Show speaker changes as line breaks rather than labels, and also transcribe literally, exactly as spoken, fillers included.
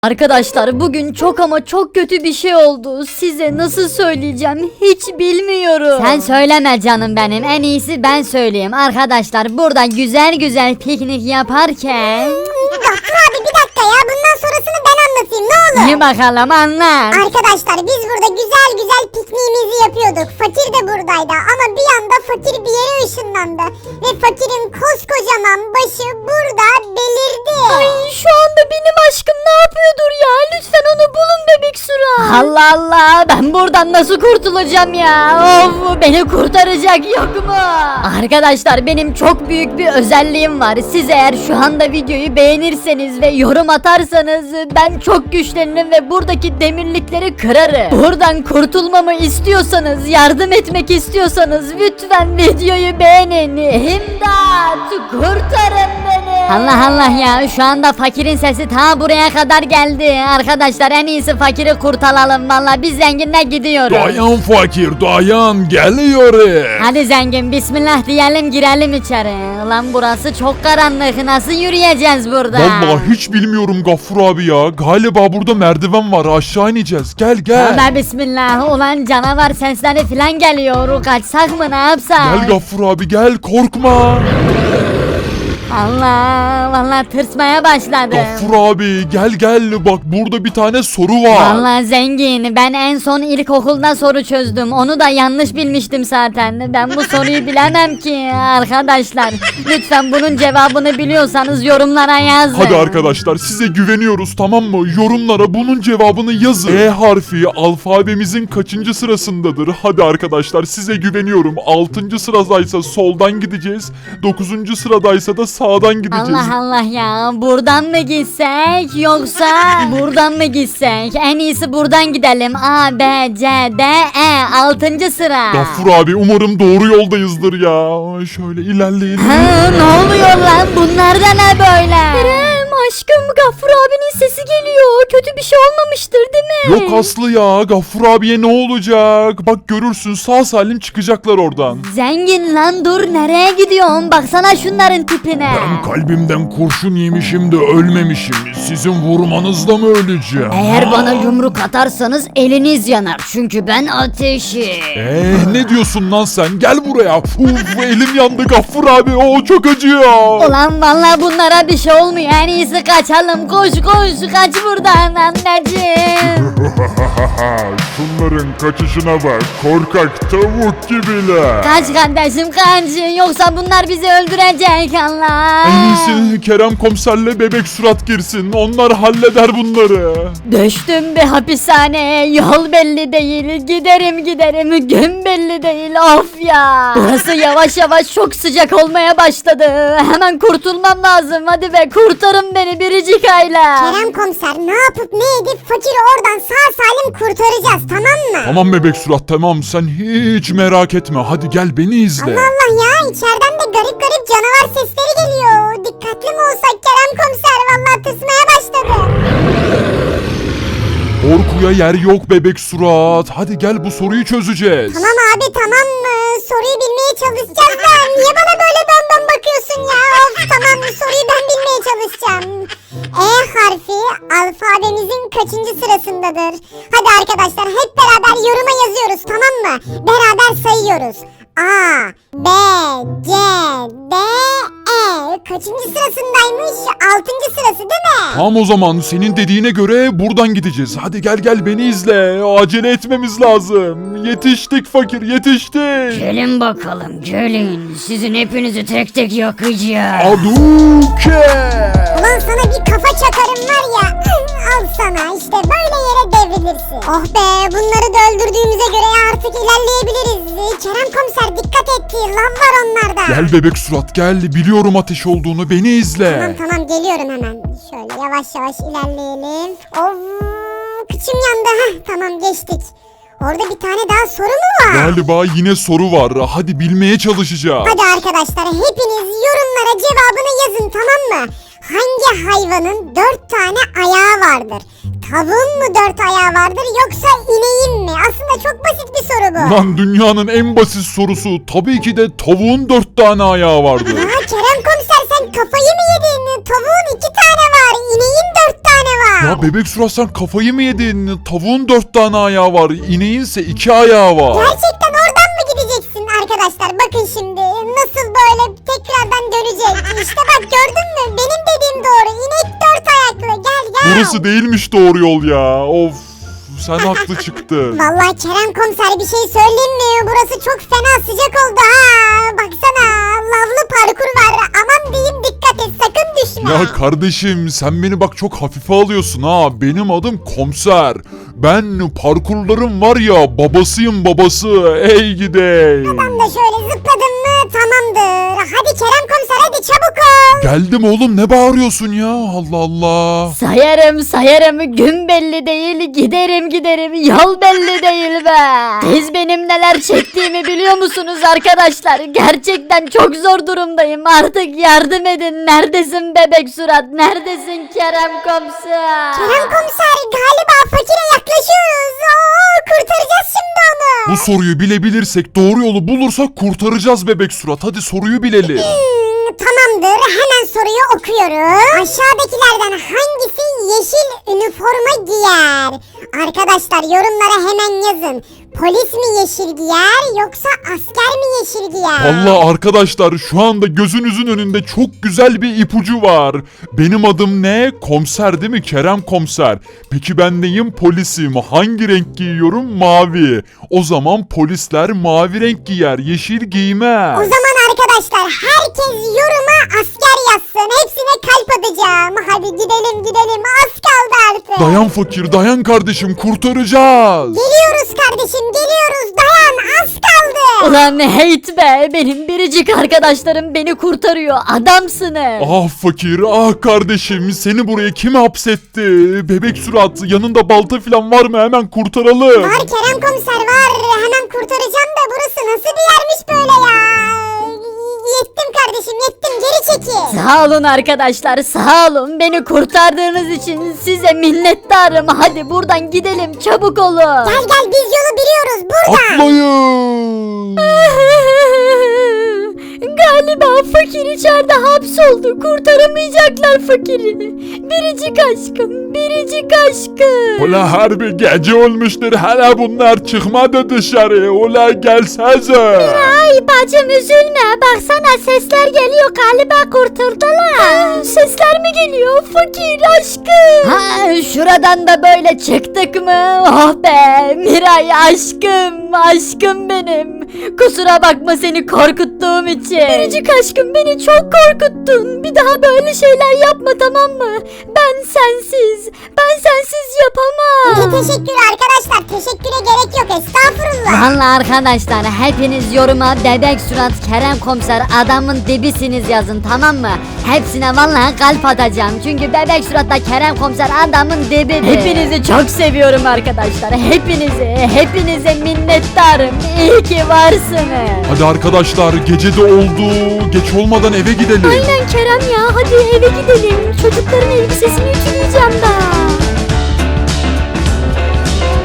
Arkadaşlar bugün çok ama çok kötü bir şey oldu. Size nasıl söyleyeceğim hiç bilmiyorum.
Sen söyleme canım benim. En iyisi ben söyleyeyim. Arkadaşlar burada güzel güzel piknik yaparken...
Doktor abi bir dakika ya, bundan sonrasını ben anlatayım ne olur.
İyi bakalım anlat.
Arkadaşlar biz burada güzel güzel pikniğimizi yapıyorduk. Fakir de buradaydı ama bir anda fakir bir yere ışınlandı. Ve fakirin koskocaman başı burada belirdi.
Ay şu anda benim aşkım ne yapıyordur ya? Lütfen onu bulun bebek Sura.
Allah Allah, ben buradan nasıl kurtulacağım ya? Of, beni kurtaracak yok mu?
Arkadaşlar benim çok büyük bir özelliğim var. Siz eğer şu anda videoyu beğenirseniz ve yorum atarsanız ben çok güçlenirim ve buradaki demirlikleri kırarım. Buradan kurtulmamı istiyorsanız, yardım etmek istiyorsanız lütfen videoyu beğenin. İmdat, kurtarın beni.
Allah Allah ya, şu anda fakirin sesi ta buraya kadar geldi. Arkadaşlar en iyisi fakiri kurtaralım. Vallahi biz zenginle gidiyoruz.
Dayan fakir dayan geliyoruz.
Hadi zengin bismillah diyelim, girelim içeri. Lan burası çok karanlık, nasıl yürüyeceğiz burada?
Vallahi hiç bilmiyorum Gaffur abi ya. Galiba burada merdiven var, aşağı ineceğiz. Gel gel.
Tövbe bismillah, ulan canavar sesleri filan geliyor. Kaçsak mı, ne yapsak?
Gel Gaffur abi gel, korkma.
Allah, vallahi tırsmaya başladım.
Gaffur abi gel gel, bak burada bir tane soru var.
Vallahi zengin, ben en son ilkokulda soru çözdüm. Onu da yanlış bilmiştim zaten. Ben bu soruyu bilemem ki arkadaşlar. Lütfen bunun cevabını biliyorsanız yorumlara yazın.
Hadi arkadaşlar size güveniyoruz, tamam mı? Yorumlara bunun cevabını yazın. E harfi alfabemizin kaçıncı sırasındadır? Hadi arkadaşlar size güveniyorum. altıncı sıradaysa soldan gideceğiz. dokuzuncu sıradaysa da sağdan gideceğiz.
Allah Allah ya, buradan mı gitsek yoksa buradan mı gitsek? En iyisi buradan gidelim. A, B, C, D, E altıncı sıra.
Gaffur abi umarım doğru yoldayızdır ya. Şöyle ilerleyelim.
Ha, ne oluyor lan, bunlar da ne böyle?
Kerem aşkım Gaffur abinin sesi geliyor. Kötü bir şey olmamıştır değil mi?
Yok Aslı ya, Gaffur abiye ne olacak? Bak görürsün sağ salim çıkacaklar oradan.
Zengin lan dur, nereye gidiyorsun? Baksana şunların tipine.
Ben kalbimden kurşun yemişim de ölmemişim. Sizin vurmanızla mı öleceğim?
Eğer bana yumruk atarsanız eliniz yanar. Çünkü ben ateşim.
Eee ne diyorsun lan sen? Gel buraya. Uf elim yandı Gaffur abi. O çok acıyor.
Ulan vallahi bunlara bir şey olmuyor. En iyisi kaçalım. Koş koş, kaç buradan anneciğim.
Şunların kaçışına bak. Korkak tavuk gibiler.
Kaç kardeşim kaç. Yoksa bunlar bizi öldürecek Allah.
En iyisi Kerem komiserle bebek surat girsin. Onlar halleder bunları.
Düştüm bir hapishaneye, yol belli değil, giderim giderim, gün belli değil, of ya. Burası yavaş yavaş çok sıcak olmaya başladı. Hemen kurtulmam lazım, hadi be kurtarın beni biricik aile.
Kerem komiser ne yapıp ne edip fakiri oradan sağ salim kurtaracağız, tamam mı?
Tamam bebek surat tamam, sen hiç merak etme. Hadi gel beni izle.
Allah Allah ya, içeriden de garip garip canavar sesleri geliyor. Dikkatli mi olsak Kerem komiser, vallahi tırsmaya başladım.
Korkuya yer yok bebek surat. Hadi gel bu soruyu çözeceğiz.
Tamam abi tamam mı? Soruyu bilmeye çalışacağız da niye bana böyle benden bakıyorsun ya? Of tamam, soruyu ben bilmeye çalışacağım. E harfi alfabemizin kaçıncı sırasındadır? Hadi arkadaşlar hep beraber yoruma yazıyoruz, tamam mı? Beraber sayıyoruz. A, B, C, D, E. Kaçıncı sırasındaymış? Altıncı sırası değil mi?
Tamam o zaman senin dediğine göre buradan gideceğiz. Hadi gel gel beni izle. Acele etmemiz lazım. Yetiştik fakir yetiştik.
Gelin bakalım gelin. Sizin hepinizi tek tek yakacağım.
Aduke.
Ulan sana bir kafa çakarım var ya. Al sana, işte böyle yere devrilirsin. Oh be, bunları da öldürdüğümüze göre artık ilerleyebiliriz. Kerem komiser dikkat et, lan var onlarda.
Gel bebek surat gel. Biliyorum ateş olduğunu, beni izle.
Tamam tamam geliyorum hemen. Şöyle yavaş yavaş ilerleyelim. Of, kıçım yandı. Heh, tamam geçtik. Orada bir tane daha soru mu var?
Galiba yine soru var. Hadi bilmeye çalışacağım.
Hadi arkadaşlar hepiniz yorumlara cevabını yazın, tamam mı? Hangi hayvanın dört tane ayağı vardır? Tavuğun mu dört ayağı vardır yoksa ineğin mi? Aslında çok basit bir soru bu.
Lan dünyanın en basit sorusu. Tabii ki de tavuğun dört tane ayağı vardı.
Aa, Kerem komiser sen kafayı mı yedin? Tavuğun iki tane var. İneğin dört tane var.
Ya bebek surat sen kafayı mı yedin? Tavuğun dört tane ayağı var. İneğinse iki ayağı var.
Gerçekten oradan mı gideceksin arkadaşlar? Bakın şimdi nasıl böyle tekrardan dönecek. İşte bak gördün mü? Benim dediğim doğru. İnek dört ayaklı. Gel gel.
Burası değilmiş doğru yol ya. Of. Sen haklı çıktın.
Vallahi Kerem komiser bir şey söyleyeyim mi? Burası çok fena sıcak oldu ha. Baksana lavlı parkur var. Aman diyeyim dikkat et sakın düşme.
Ya kardeşim sen beni bak çok hafife alıyorsun ha. Benim adım komiser. Ben parkurlarım var ya babasıyım babası. Ey gidey.
Ben de şöyle zıpladım mı tamamdır. Hadi Kerem komiser hadi çabuk ol.
Geldim oğlum ne bağırıyorsun ya? Allah Allah.
Sayarım sayarım gün belli değil giderim giderim yol belli değil be. Siz benim neler çektiğimi biliyor musunuz arkadaşlar? Gerçekten çok zor durumdayım artık yardım edin. Neredesin bebek surat neredesin Kerem komiser?
Kerem komiser galiba fakire yaklaşıyoruz. Oo, kurtaracağız şimdi onu.
Bu soruyu bilebilirsek doğru yolu bulursak kurtaracağız bebek surat. Hadi soruyu bilelim.
Hmm, tamamdır hemen soruyu okuyorum. Aşağıdakilerden hangisi yeşil üniforma giyer? Arkadaşlar yorumlara hemen yazın. Polis mi yeşil giyer yoksa asker mi yeşil giyer?
Vallahi arkadaşlar şu anda gözünüzün önünde çok güzel bir ipucu var. Benim adım ne? Komiser değil mi? Kerem komiser. Peki ben neyim? Polisim. Hangi renk giyiyorum? Mavi. O zaman polisler mavi renk giyer. Yeşil giymez.
O zaman arkadaşlar herkes yoruma asker yazsın. Hepsine kalp atacağım. Hadi gidelim gidelim az kaldı artık.
Dayan fakir dayan kardeşim kurtaracağız.
Geliyoruz kardeşim geliyoruz dayan az kaldı.
Ulan hate be benim biricik arkadaşlarım beni kurtarıyor adamsınız.
Ah fakir ah kardeşim seni buraya kim hapsetti? Bebek surat yanında balta falan var mı hemen kurtaralım.
Var Kerem komiser var. Hemen kurtaracağım da burası nasıl bir yermiş böyle ya. Yettim kardeşim yettim geri çekil.
Sağ olun arkadaşlar sağ olun beni kurtardığınız için size minnettarım. Hadi buradan gidelim çabuk olun.
Gel gel biz yolu biliyoruz buradan.
Atlayın.
Galiba fakir içeride hapsoldu. Kurtaramayacaklar fakiri. Biricik aşkım, biricik aşkım.
Ula harbi gece olmuştur hala bunlar çıkmadı dışarı. Ula gelsenize.
Ay bacım üzülme. Baksana sesler geliyor. Galiba kurtuldular. Sesler mi geliyor? Fakir aşkım. Ha şuradan da böyle çıktık mı? Oh be Miray aşkım. Aşkım benim. Kusura bakma seni korkuttuğum için. Biricik aşkım beni çok korkuttun. Bir daha böyle şeyler yapma tamam mı? Ben sensiz. Ben sensiz yapamam.
Ne teşekkür arkadaşlar teşekküre gerek yok estağfurullah.
Vallahi arkadaşlar hepiniz yoruma bebek surat Kerem komiser adamın dibisiniz yazın tamam mı? Hepsine vallahi kalp atacağım. Çünkü bebek suratla Kerem komiser adamın dibidir. Hepinizi çok seviyorum arkadaşlar. Hepinizi, hepinize minnettarım. İyi ki varsınız.
Hadi arkadaşlar gece de oldu. Geç olmadan eve gidelim.
Aynen Kerem ya hadi eve gidelim. Çocukların elbisesini ütüleyeceğim ben.